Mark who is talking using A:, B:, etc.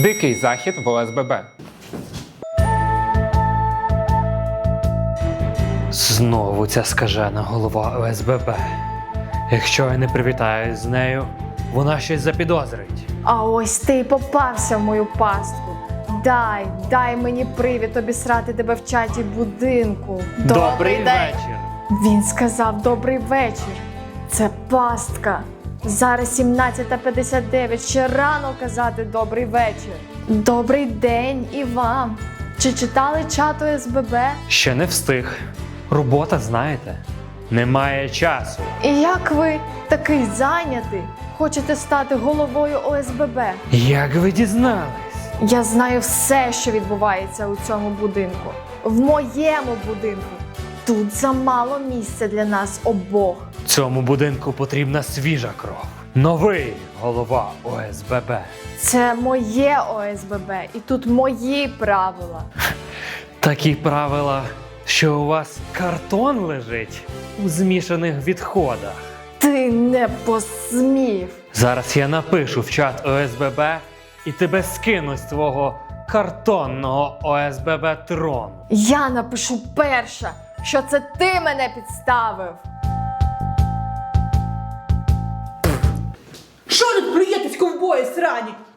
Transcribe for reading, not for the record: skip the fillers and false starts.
A: Дикий захід в ОСББ.
B: Знову ця скажена голова ОСББ. Якщо я не привітаюсь з нею, вона щось запідозрить.
C: А ось ти й попався в мою пастку. Дай мені привід обісрати тебе в чаті будинку.
B: Добрий вечір!
C: Він сказав добрий вечір. Це пастка. Зараз 17:59, ще рано казати добрий вечір. Добрий день і вам. Чи читали чат ОСББ?
B: Ще не встиг. Робота, знаєте, немає часу.
C: І як ви, такий зайнятий, хочете стати головою ОСББ?
B: Як ви дізнались?
C: Я знаю все, що відбувається у цьому будинку. В моєму будинку. Тут замало місця для нас обох.
B: Цьому будинку потрібна свіжа кров. Новий голова ОСББ.
C: Це моє ОСББ, і тут мої правила.
B: Такі правила, що у вас картон лежить у змішаних відходах.
C: Ти не посмів.
B: Зараз я напишу в чат ОСББ і тебе скину з твого картонного ОСББ трону.
C: Я напишу перша, що це ти мене підставив.
D: Що тут плюєтесь, ковбої срані?